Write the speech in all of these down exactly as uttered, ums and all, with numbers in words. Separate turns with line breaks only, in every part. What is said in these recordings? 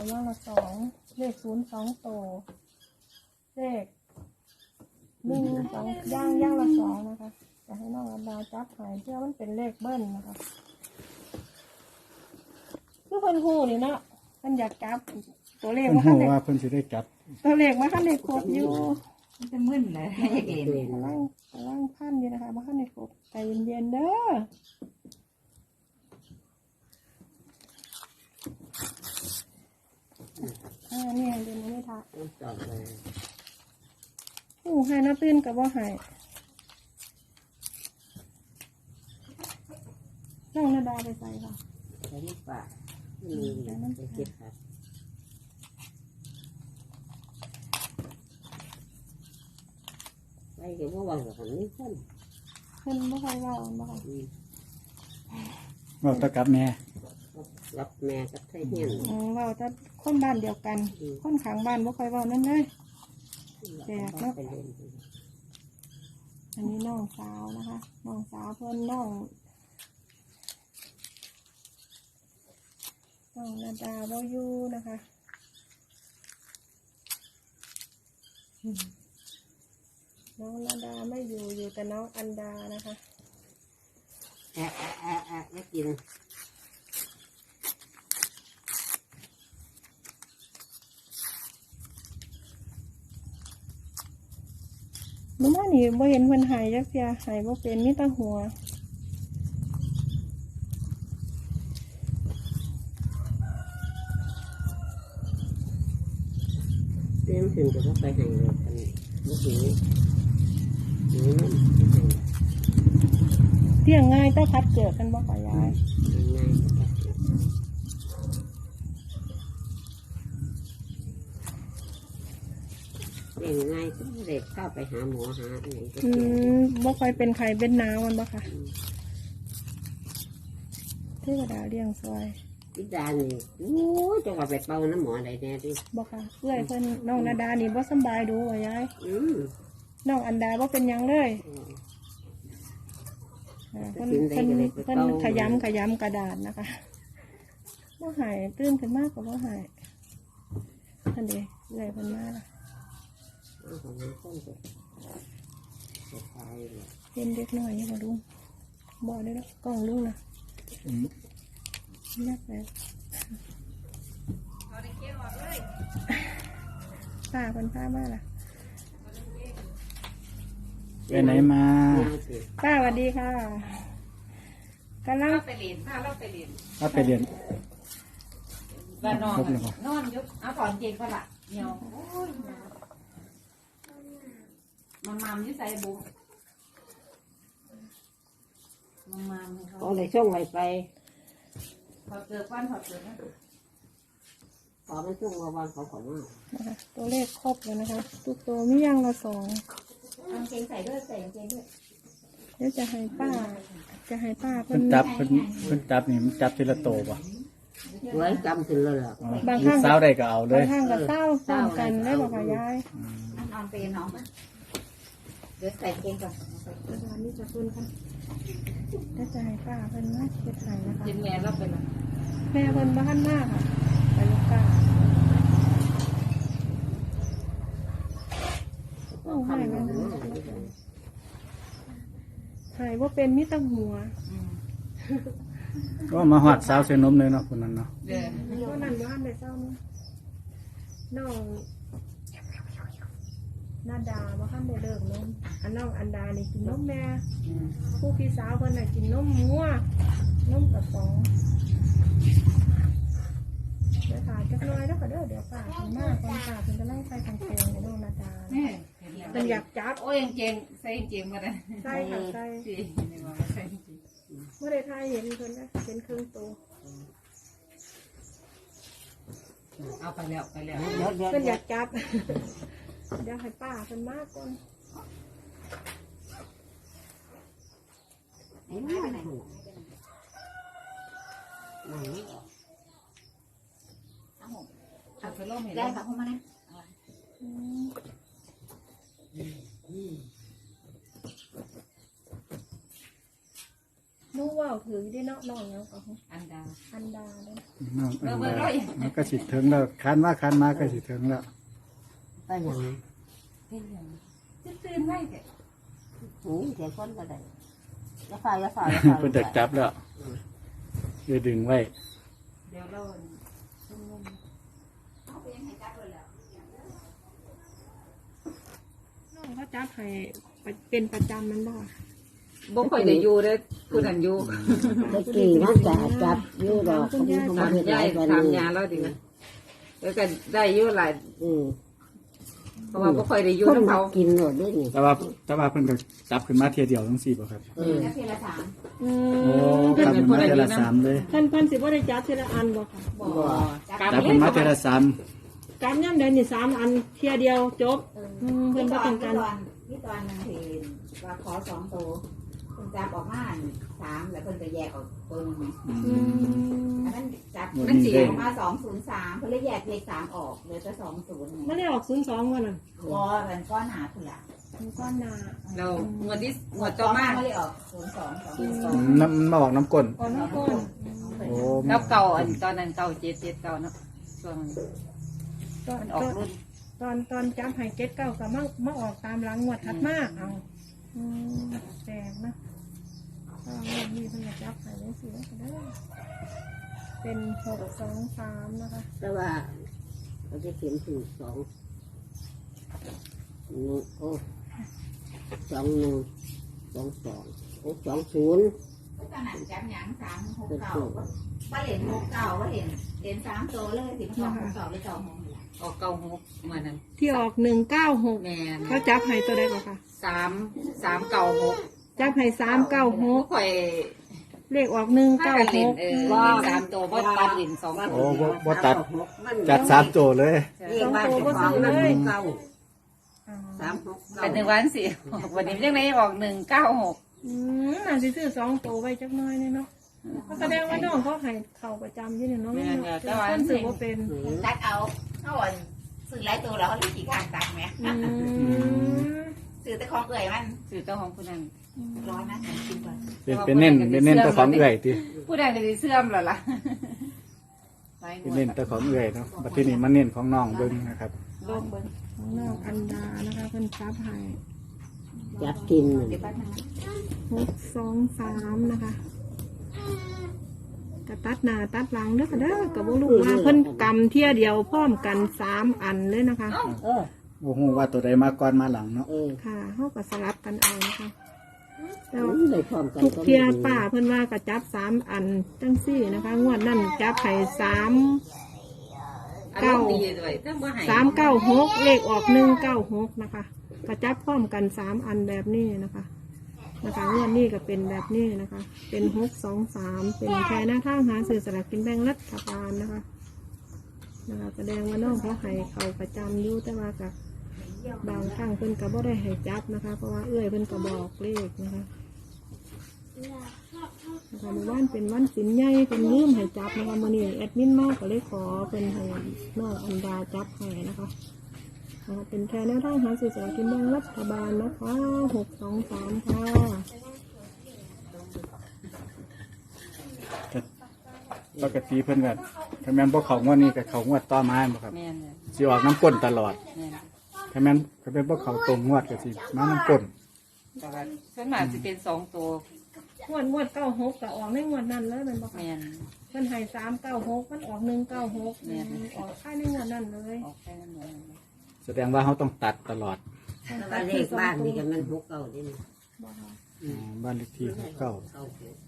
ย่างละสองเลขศูนย์สองโตเลขหนึ่งสองย่างย่างละสองนะคะจะให้น้องอันดาจับหายเพื่อมันเป็นเลขเบิ้ลนะคะคือคนหูนี่เนาะมันอยากจับตัวเลข
เพิ่น
ว่า
ฮู้
ขั้นเด็ก
ว่าเพิ่นสิได้จับ
ตัวเลขว่าขั้นเด็กครบอยู่
มันจะมึนเลยเอ็น
กำลังกำลังพันอยู่นะคะว่าขั้นเด็กครบใจเย็นๆเด้ออ่าเนี่ยเดี๋ยวนี้ไม่ทัก
จอดเลย
โอ้หายน้าตื้นกับว่าหายน้องนาดาไปใส่ค่ะ
ใช้ลูกปากอืมจะเก็บครับไปเก็บเมื่อวานกับคนนี้คน
เพิ่นบ่ค่อยเว่าบ่ค่ะ
อืม
เว้าแตะกับแม่
รับแม่กับไทยเฮียน
อืมเว้าแต่คนบ้านเดียวกัน คนข้างบ้านบ่ค่อยเว้านั่นเลย แจกเนอะ
ไปเล่น
อันนี้น้องสาวนะคะน้องสาวเพิ่นน้องน้องนาดาบ่อยู่นะคะอืมน้องนาดาไม่อยู่อยู่แต่น้องอันดานะคะ
แอะแอะแอะแอะไม่กิน
หนูว่านี่บ่เห็นเพิ่นหายจักเที่ยหายบ่เป็นมีแต่หัว
เต้นถึงจะว่าไปให้เลยกันเมื่อกี้นี่นั่นไปให้
เที่ยงง่ายแต่คัดเกิดกันบ่ค่ะยาย
ง่ายๆครับเล่นง่ายก็ไม่ได้เข้าไปหาหมอหาอะไรก็
อื
เกี่ยว
มบ่ค่อยเป็นไข้เป็นหนาวมันบ่ค่ะเทวดาเลี้ยงซอย
พิดานี่โอ้ยจะว่าไปเป่าน้ำหมออะไรแน่ดิ
บ่ค่ะเอื้อยเพิ่นน้องนาดานี่บ่สำบายดูว่ายาย
อืม
น้องอันดาบ่เป็นหยังเลยอ่าเพิ่นเพิ่นเพิ่นขยำขยำกระดาษนะคะบ่หายตื่นขึ้นมากก็บ่หายท่านเด้เอื้อยเพิ่นมาล่ะ
เอาของมันต้นจะจะตายเลย
เป็นเด็กน้อยนี่บ่ลุงบ่ได้แล้วกล้องลุงน่ะ
อืม
นักแล้วป้าเพิ่นพามาล่ะ
ไปไหนมา
เนี่ยสิ
ป้าสวัสดีค่ะกำลัง
เราไปเรียนถ้าเราไปเรียน
ถ้าไปเรียน
บ้านนอน
ครบแล้วบ่
นอนยุบเอาถอนเกงก็ละเหี่ยวโอ้ยมันมามอยิ่ใส่บุมันมามให้เขา
เอาเลยช่วงไว้ไป
ถอดเกลือก้อนถอดเกลือนะ
พอมันช่วงวันเขาขอมา
นะคะตัวเลขครบแล้วนะคะทุกตัวมีอย่างละสอง
กางเกงใส่ด้วยใส่กางเกงด้วย
เดี๋ยวจะให้ป้า จะให้ป้าเพิ่
เพิ่
น
นจับเพิ่นเพิ่นจับนี่มันจับทีละโตบ่
ไว้จำถึงเลยล่ะ
อ๋อลูกสาวได้ก็เอาเล
บาย งข้างกับเศร้าพร้อมกันได้บอกค่ะยาย
นั่นนอนไปน้องมั้ยเดี๋ยวใส่เกงก่อน
เดี๋ยวนี้จะเพิ่นค่ะเดี๋ยวจะให้ป้าเพิ่นนะเฮ็ดให้นะคะ
กินแม่เราไปละ
แม่เพิ่นบ้านมากค่ะไปลูกป้าโอ้ให้มันหายว่าเป็นมิตรหัว
ก็มาฮอดสาวเส้นนมเลยเนาะคนนั้นเนาะ
เดี๋ยว
ก็นั่นบ้านในเศร้าเนาะน้องนาดาว่าข้ามได้เลิกนมอันน้องอันดานี่กินนมแม่ผู้พี่สาวเพิ่นน่ะกินนมงัวนมกระป๋องเดี๋ยวถ่ายจักหน่อยแล้วก็เด้อเดี๋ยวป้าถึงมากคนป้าถึงจะไล่ไปทางโค้งในน้องนาดา
นี่
มันอยากจับ
โอ้ยกางเกงใส่กางเกงมาเลย
ใช่ค่ะใช่
สินี่ว่าใส่กางเกง
เมื่อได้ถ่ายเห็นเพิ่นนะเป็นครึ่งตัว
เอาไปแล้วไปแล้ว
เดี๋ยวเดี๋ยว
เพิ่นอ
เดี๋ย
ยาว กจับ เดี๋ยวให้ป้าเพิ่นมากก่อน
ไอ้แม่ไหนไหน
เอาไปล่มเห็น
ได้
แล้ว
ค่ะเข้ามาเลย
อืมลูนูว่าถือได้เนาะน้องแล้วก็
อันดา
อันดาเลย
น้องอันใดมันก็สิถึงแล้วคันว่าคันมาก็สิถึงแล้ว
ไปอย่างนี้
เป็นอย่างจะตื่นไว้เด็ก
หูเสียคนก็ได้ยาฝ่ายยาฝ่ายยาฝ่าย
เพิ่นจะจับแล้วจะดึงไว้
เดี๋ยวเราชุ่มนุ่มเอาไปยังไงจับเลยแล้ว
น้องเขาจับให้เป็นประจำมันบ่
บ่ค่อยได้อยู่เด้อผู้นั้นอยู่
ตะกี้มันจะจับอยู่ดอกเขาเขา
ถาม
ไม่ได้
ยาย
วัน
ถาม
นี้
ยาแล้วดิแล้วก็ได้อยู่หลาย
อืม
เพราะว่าบ่ค่อยได้อยู่
คน
นำ
มา
เขา
กินหมดด้วยนี่
แต่ว่าแต่ว่าเพิ่นก็จับขึ้นมาเทียเดียวทั้งสี่บ่ครับ
เออ
แล้วทีละสาม
อื
โอ้
ม
จับขึ้นมาเทียละสามเลย
เพิ่นเพิ่นสิบ่ได้จับทีละอันบ่ค่ะ
บ่
จับขึ้นมาเทียละสาม
การย่ำเดินนี่สามอันเทียเดียวจบอืมเพิ่นบ่ต้องการ
นี่ตอนนึงเห็นว่าขอสองตัวเพิ่นจับออกมาสามแล้วเพิ่นก็แยกออกตัวนึง
อืม
อันนั้นจับมันสีออกมาสองศูนย์สามเพิ่นเลยแยกเลขสามออกเหลือแต่สองศูนย์
มันได้ออกศูนย์สองวันน่ะ
วอมันก้อนหนาคุณละ
มันก้อนหนา
เรางวดที่งวดต่อมาไม่ได้ออกศูนย์สองสองสอง
น้ำมันมาออกน้ำก้น
ก้อนน้ำก้น
โอ้
แล้วเก่าอันตอนนั้นเก่าเจ็ดเจ็ดเก่าเนาะช่วง
ตอน
มันออกรุ่น
ตอนตอนจับให้เก็ตเก้าก็มามาออกตามหลังงวดถัดมาเอาอืมแปลกนะก็เรื่องนี้เพิ่นก็จับให้ได้สิแล้วก็ได้เป็นหกสองสามนะคะ
แต่ว่าเขาจะเขียนถึงสองหนึ่งโอ้สองหนึ่งสองสองโอ้สองศูนย์
ตอนนั้นจับหยังสามหกเก่าว่าเหรียญหกเก่าว่าเหรียญเหรียญสามตัวเลยสิบสองหกเก่าเลยเก่าหกออกเก่าหกมานั้น
ที่ออกหนึ่งเก้าหก
แม่น
เขาจับให้ตัวใดก่อนค่ะ
สามสามเก่าหก
จับให้สามเก้าหก
ข่อย
เลขออกหนึ่ง
ถ้า
เก้า
กัน
ห
เล่น
ก
เออสามตัวบ่ตัดเหรียญสอง
โอ้บ่บ่ตัดจัดสามโจเลย
เรียกว่าจะของมันเก้าสามหกเก้า
เป็นหนึ่งวันสี่วันนี้ยังไงออกหนึ่งเก้าหก
อืมน่าสิซื้อสองตัวไว้จักหน้อยเนี่ยเนาะก็แสดงว่าน้องเขาให้เข่าประจำที่เนี่ยเนาะแต่คนซื้อว่าเป็น
ตัดเอาเอาวันซื้อหลายตัวแล้วเขาเลยขี่ข้างตัดไหม
อืม
ซื้อแต่ของเอื่อยมันซื้อแต่ของผู้นั้นร้อยนะฉันกินก่อน
เป็นเป็นเน้นเป็นเน้นแต่ของเอื่อยติ
ผู้ใดก็จะเสื่อมแล้วล่ะ
เป็นเน้นแต่ของเอื่อยเนาะบัดทีนี้มันเน้นของน้องเบิ่งนะครับ
ลงเบิ้ง
ของน้องอันดานะคะเพิ่นซับให้
จับกิน
เดี๋ยวแป๊บนึง
หกสองสามนะคะกระตัดหน้าตัดหลังเด้อค่ะเด้อกับบุลูกว่าเพิ่นกำเที่ยเดียวพร้อมกันสามอันเลยนะคะ
เออ
โอ้โหว่าตัวใดมาก่อนมาหลังเนาะ
เออ
ค่ะเขาก็สลับกันเอานะคะแต่ว่า
เลยพร้อมกัน
ทุกเที่ยป้าเพิ่นว่าก็จับสามอันจังสี่นะคะ งวดนั่นจับไข่สาม
เก้าดีด้วยถ้าบ่ให้
สามเก้าหกเลขออกหนึ่งเก้าหกนะคะก็จับพร้อมกันสามอันแบบนี้นะคะนะคะงวดนี้ก็เป็นแบบนี้นะคะ เป็นหกสองสามเป็นแค่หน้าทางหาสื่อสลากกินแบ่งรัฐบาลนะคะนะคะแสดงว่าน้องเขาให้เขาประจำอยู่แต่ว่ากับบางครั้งเพิ่นก็บ่ได้ให้จับนะคะ เพราะว่าเอื้อยเพิ่นก็บอกเลขนะคะนะคะในวันเป็นวันสินใหญ่เป็นลืมให้จับนะคะมื้อนี้แอดมินมากก็เลยขอเป็นให้น้องอันดาจับให้นะคะนะคะเป็นแค่แนวทางหาสื่อสลากกินแบ่งรัฐบาลนะคะหกสองสามค่ะ
ปกติเพิ่นก็ถ้าแม่นบ่เข้างวดนี้ก็เข้างวดต่อมาบ่ครับ
แม่นเนี่ย
สิออกน้ำก้นตลอด
แม่น
ถ้าแม่นถ้าเป็นพวกเขาตรงงวดก็สิมาน้ำก้น
แต่ว่าส่วนมากจะเป็นสองตัว
งวดงวดเก้าหกก็ออกในงวดนั้นเลยเป็นบ่คะ
แม่น
เพิ่นให้สามเก้าหกมันออกหนึ่งเก้าหก
แม่น
ออกค่ายในงวดนั้นเลย
ออกแค่นั้นเลย
แสดงว่าเขาต้องตัดตลอด
แต่ว่าเลขบ้านนี่กันมันหกเก้าดิ
บ่ค่ะ
อ๋อบ้านเลขที่ของเก่า
เก้าหก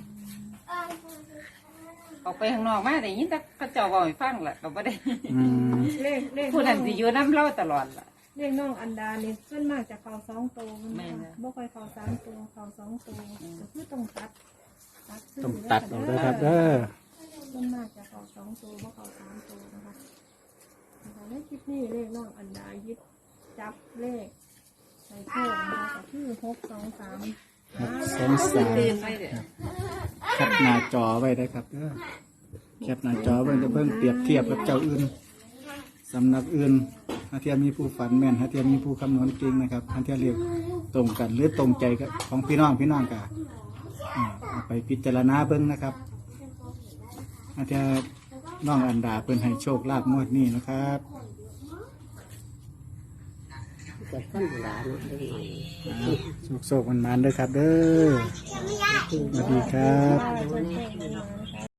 ออกไปข้างนอกมาได้ยินแต่เขาเจ้าบอกให้ฟังแหละก็บ่ได้
อืม
เลขเลข
ผู้นั้นสิอยู่น้ำเล่าตลอดล่ะ
เลขน้องอันดานี่ส่วนมากจะเข้าสองตัวมัน
แม่
บ่
น
ค่ะ
นะ
บ่ค่อยเข้าสามตัวเข้าสองตัวก็คือต้องตัดตัดซื้
ต้องตัดออกด้วยครับเด้อ
ส่วนมากจะเข้าสองตัวบ่เข้าสามตัวนะคะนะคะในคลิปนี้เลขน้องอันดายิบจับเลขใส่โชคนะคะก็คือหกสองสาม
สองสาม
ตื่นไปเด้อ
แคปหน้าจอไว้ได้ครับเด้อแคปหน้าจอไว้จะเบิ่งเปรียบเทียบกับเจ้าอื่นสำนักอื่นถ้าเทียมมีผู้ฝันแม่นถ้าเทียมมีผู้คำนวณจริงนะครับถ้าเทียมเรียกตรงกันหรือตรงใจกับของพี่น้องพี่น้องกันอ่าเอาไปพิจารณาเบิ่งนะครับอาจจะน้องอันดาเพิ่นให้โชคลาภงวดนี้นะครับ
จะขั้นเวลาเนาะได้หน่อย
โชคๆมันๆเด้อครับเด้อสวัสดีครับ
ค่ะ